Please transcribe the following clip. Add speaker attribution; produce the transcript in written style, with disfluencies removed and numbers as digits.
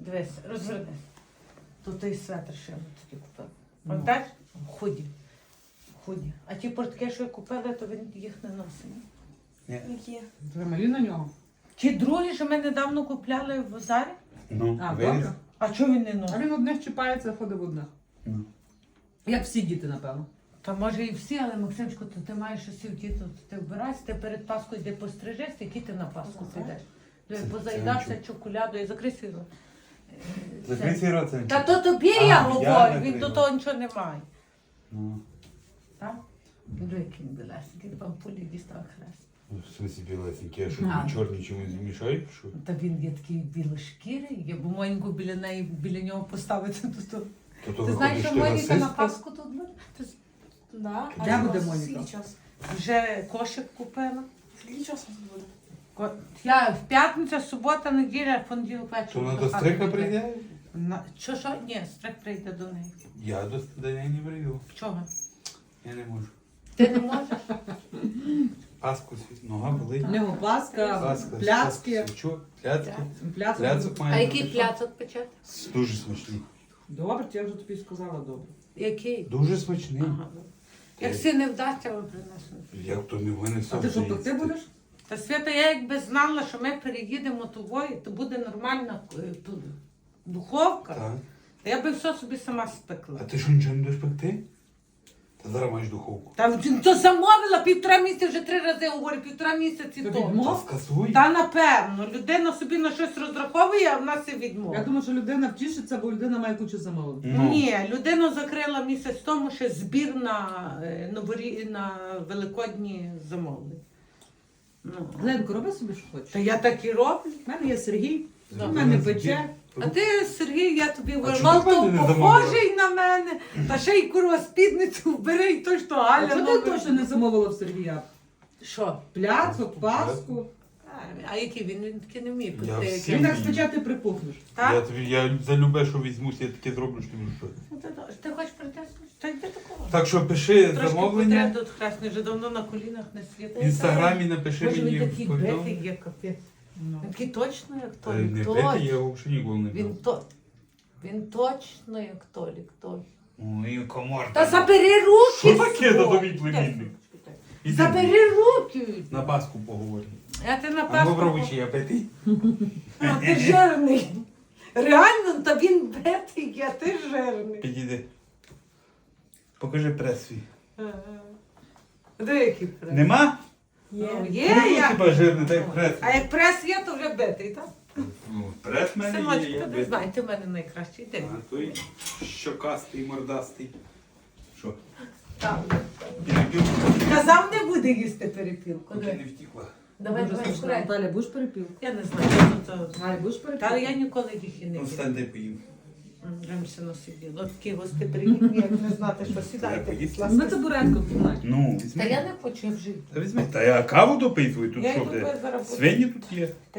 Speaker 1: Дивись, розверни. Тут той светр ще тоді купив. Пам'ятаєш? Худі. Худі. А ті портки, що я купила, то він їх не носить.
Speaker 2: Ні.
Speaker 3: Які?
Speaker 4: Трималі на нього.
Speaker 1: Ті другі, що ми недавно купляли в Озарі.
Speaker 2: Ну,
Speaker 4: А,
Speaker 2: виріс.
Speaker 4: добре.
Speaker 1: А чого він не
Speaker 4: А
Speaker 1: носить?
Speaker 4: він одних чіпається, ходить в одних.
Speaker 2: Ну.
Speaker 4: Як всі діти, напевно.
Speaker 1: Та може і всі, але Максимчику, то ти маєш усі вдіти, то ти вбирайся, ти перед Паскою йди пострижешся, який ти на Пасху
Speaker 3: Ага.
Speaker 1: підеш.
Speaker 2: Це
Speaker 1: Позаїдався
Speaker 2: нічого.
Speaker 1: чоколядою, закрий свій рот.
Speaker 2: Закрий свій рот, це
Speaker 1: Та
Speaker 2: нічого.
Speaker 1: то тобі
Speaker 2: А,
Speaker 1: я
Speaker 2: я
Speaker 1: говорю,
Speaker 2: закрию.
Speaker 1: він до того нічого не має.
Speaker 2: Ну.
Speaker 1: Так? Який він білесенький, вам пулі дістав хрест.
Speaker 2: В смысле білесенький, а що
Speaker 1: А.
Speaker 2: тобі чорні чомусь мішають? Що?
Speaker 1: Та він є такий білошкірий, я б Моньку біля нього поставити.
Speaker 2: То
Speaker 1: Ти знаєш, що
Speaker 2: виходить,
Speaker 1: Моніка на
Speaker 2: расистка?
Speaker 1: Пасху тут буде? Ти
Speaker 3: Да.
Speaker 4: Де
Speaker 3: А
Speaker 4: буде
Speaker 3: у вас
Speaker 4: Моніка?
Speaker 3: скільки часу?
Speaker 1: вже кошик купила.
Speaker 3: Скільки часу тут буде?
Speaker 1: Я в п'ятницю, субота, неділя, понеділок вечір.
Speaker 2: То вона до стрика прийде?
Speaker 1: Що? Ні, стрик прийде до неї.
Speaker 2: Я до неї не прийду.
Speaker 1: Чого?
Speaker 2: Я не можу.
Speaker 1: Ти не можеш?
Speaker 2: Паску світ, нога болить.
Speaker 4: В нього пласка,
Speaker 2: Паска,
Speaker 4: пляцки.
Speaker 2: Що? Пляцки?
Speaker 4: Пляцки.
Speaker 2: Пляцок
Speaker 1: А
Speaker 2: має
Speaker 1: який
Speaker 2: бути.
Speaker 1: пляцок печати?
Speaker 2: Дуже смачний.
Speaker 4: Добре, я вже тобі сказала добре.
Speaker 1: Який?
Speaker 2: Дуже смачний.
Speaker 1: Ага. Як всі не вдасться, вам принесу.
Speaker 2: Як то не в мене все
Speaker 4: А ти що,
Speaker 2: вдається.
Speaker 4: пекти будеш?
Speaker 1: Та Свята, я якби знала, що ми переїдемо тобою, то буде нормальна духовка,
Speaker 2: Так.
Speaker 1: то я би все собі сама спекла.
Speaker 2: А ти що нічого не будеш пекти? Та зараз маєш духовку.
Speaker 1: Та то замовила 1,5 місяця, вже 3 рази говорю, 1,5 місяці
Speaker 4: Тобі
Speaker 1: тому.
Speaker 4: відмов?
Speaker 2: Та скасуй.
Speaker 1: Та напевно, людина собі на щось розраховує, а в нас і
Speaker 4: Я
Speaker 1: відмова.
Speaker 4: думаю, що людина втішиться, бо людина має кучу замовлень.
Speaker 2: Ну.
Speaker 1: Ні, людину закрила місяць тому, ще збір на великодні замовлення. Ну.
Speaker 4: Ленко, роби собі, що
Speaker 1: Та
Speaker 4: хочеш.
Speaker 1: я так і роблю.
Speaker 4: У мене є Сергій,
Speaker 1: Да.
Speaker 4: у мене пече.
Speaker 1: А ти, Сергій, я тобі
Speaker 2: А
Speaker 1: говорю,
Speaker 2: чому
Speaker 1: мало
Speaker 2: ти
Speaker 1: того
Speaker 2: мене не
Speaker 1: похожий на мене, та ще й курва спідницю вбери, і то, що
Speaker 4: А
Speaker 1: Галя
Speaker 4: чого ти
Speaker 1: новий.
Speaker 4: точно не замовила в Сергія?
Speaker 1: Що?
Speaker 4: Пляцок, паску.
Speaker 1: А який він? Він таки не вміє
Speaker 2: Я
Speaker 1: пекти.
Speaker 2: всі
Speaker 4: Він
Speaker 1: який.
Speaker 4: так спече, ти припухнеш.
Speaker 2: Я,
Speaker 1: Так?
Speaker 2: тобі, я за любе, що візьмусь, я таке зроблю, що тобі що.
Speaker 1: Ну, ти хочеш прийти? Та йди такого.
Speaker 2: Так що пиши
Speaker 1: Трошки
Speaker 2: замовлення.
Speaker 1: потреб тут хресний, вже давно на колінах не світить.
Speaker 2: В інстаграмі напиши
Speaker 1: Може
Speaker 2: мені
Speaker 1: він такий
Speaker 2: в повідомлення.
Speaker 1: битий є, капець.
Speaker 4: Ну.
Speaker 1: Він такий точно, як
Speaker 2: Та
Speaker 1: Толік.
Speaker 2: Не
Speaker 1: Точно.
Speaker 2: бити, я його взагалі ніколи не
Speaker 1: Він,
Speaker 2: бив.
Speaker 1: він точно як Толік. Точно.
Speaker 2: Ой, комар.
Speaker 1: Та забери руки!
Speaker 2: Що таке,
Speaker 1: свої!
Speaker 2: та тобі племінник? Іди.
Speaker 1: Забери руки!
Speaker 2: На Пасху поговоримо.
Speaker 1: Я ти на
Speaker 2: А
Speaker 1: Пасху...
Speaker 2: попробуй, чи я битий.
Speaker 1: А ти жирний. Реально, та він битий, а ти жирний.
Speaker 2: Підійди. Покажи прес свій.
Speaker 1: Диви, який прес.
Speaker 2: Нема?
Speaker 1: Ну,
Speaker 2: Ну,
Speaker 1: є я.
Speaker 2: хіба жирний, та як прес.
Speaker 1: А як прес є, то вже битий, так?
Speaker 2: Ну, прес в мене є,
Speaker 1: Синочку,
Speaker 2: я
Speaker 1: ти не
Speaker 2: битий.
Speaker 1: знай, ти в мене найкращий. Йди.
Speaker 2: А той щокастий, мордастий. Що?
Speaker 1: Так.
Speaker 2: Перепілку?
Speaker 1: Казав, не буде їсти перепілку.
Speaker 2: Поки
Speaker 1: Давай,
Speaker 2: не втікла.
Speaker 1: давай,
Speaker 4: Дуже
Speaker 1: давай,
Speaker 4: смачно.
Speaker 1: скорей.
Speaker 4: Наталя, будеш перепілку?
Speaker 1: Я не знаю, що тут.
Speaker 4: Галя, будеш
Speaker 1: Та
Speaker 4: перепілку?
Speaker 1: я ніколи їх і не
Speaker 2: Ну,
Speaker 1: їм.
Speaker 2: встань, дай поїм.
Speaker 1: Раніше сиділо. Такі гостеприємні, як не знати, що сідайте.
Speaker 2: поїсти?
Speaker 1: будь ласка.
Speaker 4: Ми табуретку в кімнаті.
Speaker 2: Ну,
Speaker 1: Та
Speaker 2: візьми.
Speaker 1: я не хочу, я вже.
Speaker 2: Та візьми. Та я каву допий твою, тут
Speaker 1: Я
Speaker 2: що
Speaker 1: йду
Speaker 2: де?
Speaker 1: зараз.
Speaker 2: Свині тут є.